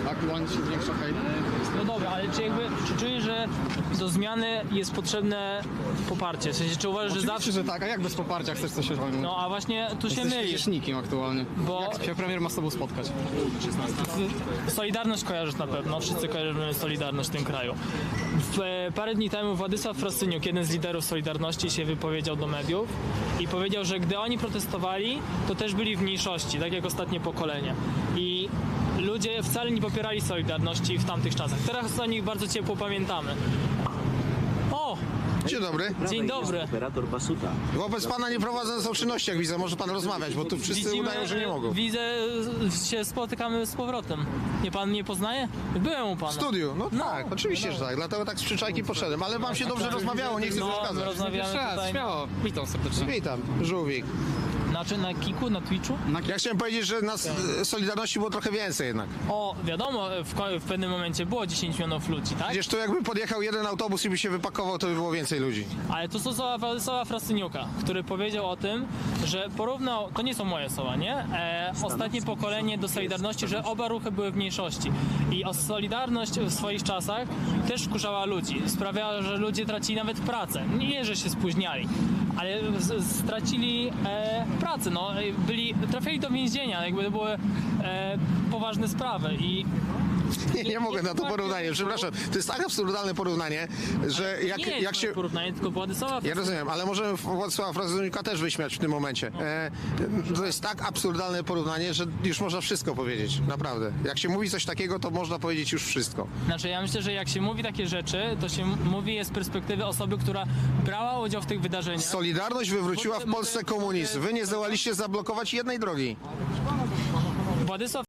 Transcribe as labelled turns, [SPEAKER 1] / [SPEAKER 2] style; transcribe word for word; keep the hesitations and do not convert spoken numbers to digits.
[SPEAKER 1] aktualnie się zwiększa hejt.
[SPEAKER 2] No dobra, ale czy jakby, czy czujesz, że do zmiany jest potrzebne poparcie? W sensie, czy uważasz, że
[SPEAKER 1] Oczywiście,
[SPEAKER 2] zawsze...
[SPEAKER 1] że tak, a jak bez poparcia chcesz coś osiągnąć?
[SPEAKER 2] No a właśnie tu się
[SPEAKER 1] Jesteś
[SPEAKER 2] mylisz.
[SPEAKER 1] przecież nikim aktualnie.
[SPEAKER 2] Bo-
[SPEAKER 1] Jak się premier ma z tobą spotkać?
[SPEAKER 2] Solidarność kojarzysz na pewno, wszyscy kojarzymy Solidarność w tym kraju. W, e, parę dni temu Władysław Frasyniuk, jeden z liderów Solidarności, się wypowiedział do mediów i powiedział, że gdy oni protestowali, to też byli w mniejszości, tak jak ostatnie pokolenie. I ludzie wcale nie popierali Solidarności w tamtych czasach. Teraz o nich bardzo ciepło pamiętamy. O!
[SPEAKER 3] Dzień dobry.
[SPEAKER 2] Dzień dobry.
[SPEAKER 4] Operator Basuta.
[SPEAKER 3] Wobec pana nie prowadzone są czynności, jak widzę. Może pan rozmawiać, bo tu wszyscy udają, że nie mogą.
[SPEAKER 2] Widzę, się spotykamy z powrotem. Nie pan nie poznaje? Byłem u pana.
[SPEAKER 3] W studiu, no,
[SPEAKER 2] No,
[SPEAKER 3] tak, oczywiście, że tak. Dlatego tak z przyczajki poszedłem, ale wam się dobrze rozmawiało, nie chcę
[SPEAKER 2] No, my
[SPEAKER 3] przeszkadzać.
[SPEAKER 2] rozmawiamy tutaj.
[SPEAKER 1] Śmiało, witam serdecznie.
[SPEAKER 3] Witam, żółwik.
[SPEAKER 2] Znaczy na Kiku, na Twitchu?
[SPEAKER 3] Ja chciałem powiedzieć, że nas e, Solidarności było trochę więcej jednak.
[SPEAKER 2] O, wiadomo, w, ko- w pewnym momencie było dziesięć milionów ludzi, tak?
[SPEAKER 3] Przecież tu jakby podjechał jeden autobus i by się wypakował, to by było więcej ludzi.
[SPEAKER 2] Ale to są słowa Władysława Frasyniuka, który powiedział o tym, że porównał, to nie są moje słowa, nie? E, ostatnie pokolenie do Solidarności, że oba ruchy były w mniejszości. I o Solidarność w swoich czasach też wkurzała ludzi. Sprawiała, że ludzie tracili nawet pracę. Nie, że się spóźniali, ale z, stracili e, pracę, no. E, Byli, trafili do więzienia, jakby to były e, poważne sprawy i
[SPEAKER 3] Nie, nie mogę na to
[SPEAKER 2] tak,
[SPEAKER 3] porównanie, przepraszam. To jest tak absurdalne porównanie, że jak,
[SPEAKER 2] nie jest
[SPEAKER 3] jak się...
[SPEAKER 2] porównanie, tylko Władysława
[SPEAKER 3] Ja rozumiem, ale możemy Władysława Frasyniuka też wyśmiać w tym momencie. E, to jest tak absurdalne porównanie, że już można wszystko powiedzieć, naprawdę. Jak się mówi coś takiego, to można powiedzieć już wszystko.
[SPEAKER 2] Znaczy ja myślę, że jak się mówi takie rzeczy, to się m- mówi je z perspektywy osoby, która brała udział w tych wydarzeniach.
[SPEAKER 3] Solidarność wywróciła w Polsce komunizm. Wy nie zdołaliście zablokować jednej drogi.
[SPEAKER 2] Władysław